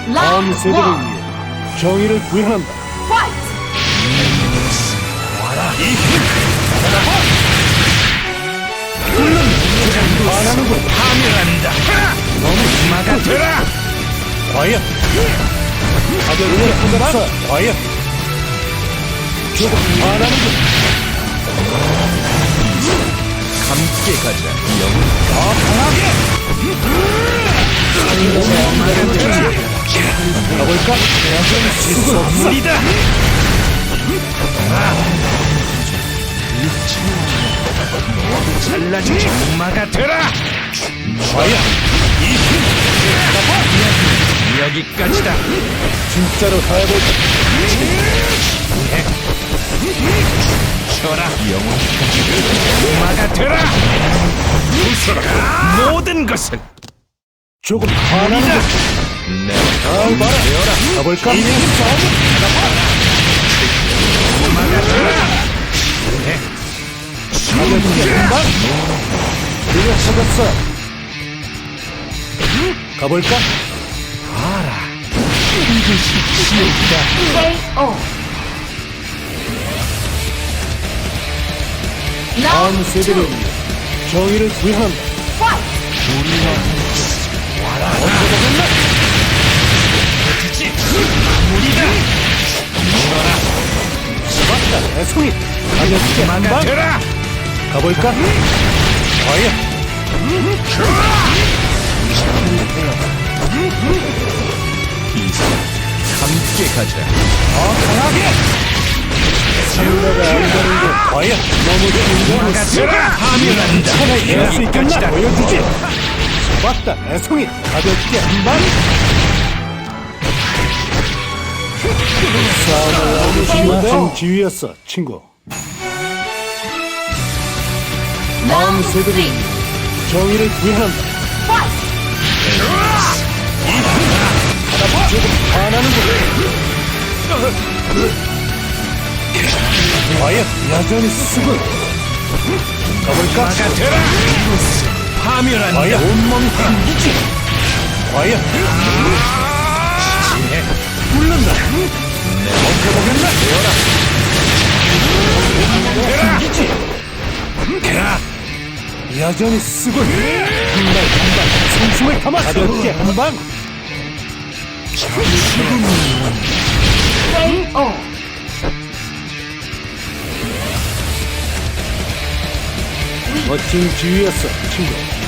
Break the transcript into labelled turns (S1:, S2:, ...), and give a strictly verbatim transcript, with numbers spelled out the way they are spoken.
S1: 다음
S2: 라운드
S1: 세대를
S2: 원.
S1: 위해 정의를 구현한다.
S2: 파이트.
S1: 반하는군.
S3: 파멸한다. 너무 막아들라.
S1: 과연 가볍게 한번더 과연 조금 반하는군.
S3: 함께 가자. 영.
S1: 더 강하게 가볼까?
S3: 선물이다. 잘라주지. 막아들라.
S1: 과연
S3: 여기까지다.
S1: 진짜로 해볼까?
S3: 쳐라. 영혼까지. 막아들라. 부숴라. 모든 것은
S1: 조금 반하는군.
S3: 내
S1: 잘 봐라. 가볼까?
S3: 막아들라.
S1: 가볍게 한방 그려 찾았어. 가볼까?
S3: 이것이 지옥이다.
S2: 케이오.
S1: 다음
S2: 라운드
S1: 세대를
S2: 투.
S1: 위해 정의를 구현한다.
S2: 파이트.
S3: 주지. 무리다.
S1: 맞다, 애송이. 가볍게 한방
S3: 막아들라.
S1: 가볼까? 과연
S3: 함께 가자.
S1: 더 강하게 생각가 안 되는 게 과연 너무 긴장했어.
S3: 막아들라. 파멸한다.
S1: 하나 할수 있겠나?
S3: 여기까지다.
S1: 보여주지. 맞다, 애송이. 가볍게 한방 싸움을 너무 심한 지휘였어, 친구. 다음
S2: 라운드
S1: 세대를
S2: 쓰리.
S1: 위해 정의를 구현한다.
S2: 파이트.
S1: 조금 반하는군. 과연 여전히 쓰군. 가볼까?
S3: 막아들라. 파멸한다.
S1: 과연 온몸이 흔들지. 과연 굴른다. 멈춰보겠나? 흔들지. 여전히 쓰군. 한발 한발 숨숨을 담아 가볍게 한방.
S2: 케이오.
S1: 멋진 지휘였어, 친구.